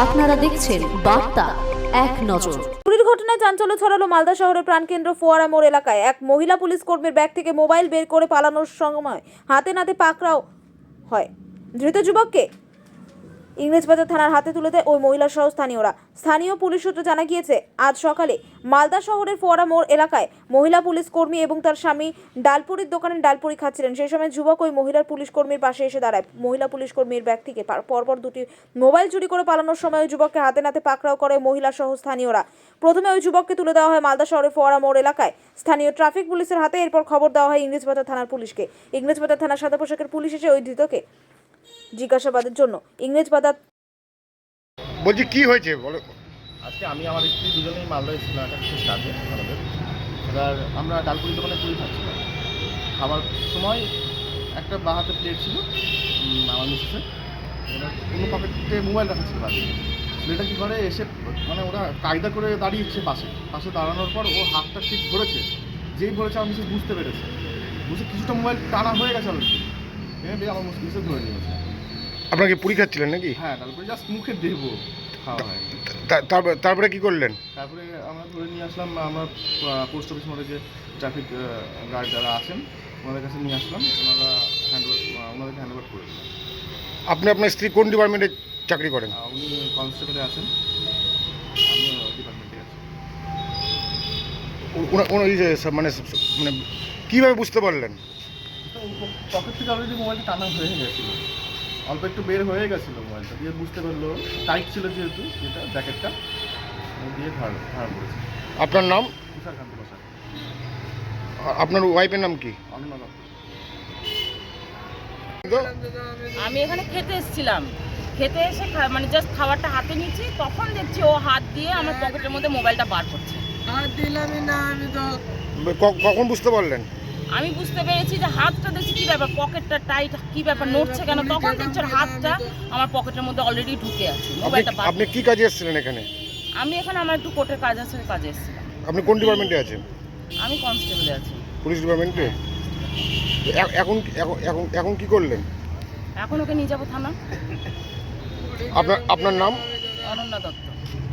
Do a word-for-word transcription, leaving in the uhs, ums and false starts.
আপনারা দেখছেন বার্তা এক নজর। চুরির ঘটনায় চাঞ্চল্য ছড়ালো মালদা শহরের প্রাণকেন্দ্র ফোয়ারা মোড় এলাকায়। এক মহিলা পুলিশ কর্মীর ব্যাগ থেকে মোবাইল বের করে পালানোর সময় হাতে নাতে পাকড়াও হয়। ধৃত যুবককে ইংরেজবাজার থানার হাতে তুলে দেয় ওই মহিলা সহ স্থানীয়রা। স্থানীয় পুলিশ সূত্রে জানা গিয়েছে, আজ সকালে মালদা শহরের ফোয়ারা মোড় এলাকায় মহিলা পুলিশ কর্মী এবং তার স্বামী ডালপুরির দোকানে ডালপুরি খাচ্ছিলেন। সেই সময় যুবক ওই মহিলার পুলিশ কর্মীর পাশে এসে দাঁড়ায়। মহিলা পুলিশ কর্মীর ব্যাগ থেকে পরপর দুটি মোবাইল চুরি করে পালানোর সময় ওই যুবককে হাতে নাতে পাকড়াও করে মহিলা সহ স্থানীয়রা। প্রথমে ওই যুবককে তুলে দেওয়া হয় মালদা শহরের ফোয়ারা মোড় এলাকায় স্থানীয় ট্রাফিক পুলিশের হাতে। এরপর খবর দেওয়া হয় ইংরেজবাজার থানার পুলিশকে। ইংরেজবাজার থানার সাদা পোশাকের পুলিশ এসে ওই ধৃতকে জিজ্ঞাসাবাদের জন্য ইংরেজবাজার। বলছি কি হয়েছে বলো। আজকে আমি আমার স্ত্রী দুজনেই মালদা এসেছিলাম একটা বিশেষ কাজে আমাদের। এবার আমরা ডালপুরি দোকানে পুরি খাচ্ছিলাম। খাবার সময় একটা বাঁ হাতে প্লেট ছিল আমার মিসেসের, এবার কোনো পকেটে মোবাইল রাখা ছিল বাড়ি। ছেলেটা কী করে এসে মানে ওরা কায়দা করে দাঁড়িয়েছে পাশে পাশে দাঁড়ানোর পর ও হাতটা ঠিক ধরেছে। যেই ধরেছে আমার মিসেস বুঝতে পেরেছে, বুঝে কিছুটা মোবাইল টানা হয়ে গেছে অলরেডি, এবার আমার মিসেস ধরে নিয়েছে। আপনাকে পুরি খাচ্ছিলেন নাকি? হ্যাঁ, ডালপুরি জাস্ট মুখে দেবো, খাওয়া হয়নি। তারপরে কি করলেন? তারপরে আমরা ধরে নিয়ে আসলাম, আমরা পোস্ট অফিস মোড়ে যে ট্রাফিক গার্ড যারা আছেন ওনাদের কাছে নিয়ে আসলাম। ওনারা হ্যান্ড ওনাদেরকে হ্যান্ড ওভার করে দিলাম। আপনি আপনার স্ত্রী কোন ডিপার্টমেন্টে চাকরি করেন? উনি কনস্টেবলে আছেন, আমি ডিপার্টমেন্টে আছি। ওই যে মানে মানে কীভাবে বুঝতে পারলেন? পকেট থেকে অলরেডি মোবাইলটা টানা হয়ে গেছিলো, অল্প একটু বের হয়ে গেছিলো মোবাইলটা, দিয়ে বুঝতে পারলো টাইট ছিল যেহেতু যেটা জ্যাকেটটা দিয়ে ধার ধার করেছে। আপনার নাম? তুষারকান্ত বসাক। আপনার ওয়াইফের নাম কি? অনন্যা দত্ত। আমি এখানে খেতে এসেছিলাম, খেতে এসে মানে জাস্ট খাবারটা হাতে নিচ্ছি, তখন দেখছি ও হাত দিয়ে আমার পকেটের মধ্যে মোবাইলটা বার করছে। হাত দিলামই না আমি তো। কখন বুঝতে পারলেন? আমি বুঝতে পেরেছি যে হাতটা দেখছি কি ব্যাপার, পকেটটা টাইট, কি ব্যাপার নড়ছে কেন, তখন দেখছি ওর হাতটা আমার পকেটের মধ্যে অলরেডি ঢুকে আছে। মোবাইলটা বার। আপনি কি কাজে এসেছিলেন এখানে? আমি এখানে আমার একটু কোর্টের কাজ আছে, কাজে এসেছিলাম। আপনি কোন ডিপার্টমেন্টে আছেন? আমি কনস্টেবলে আছি। পুলিশ ডিপার্টমেন্টে? এখন এখন এখন কি করলেন? এখন ওকে নিয়ে যাবো থানা। আপনার আপনার নাম? অনন্যা দত্ত।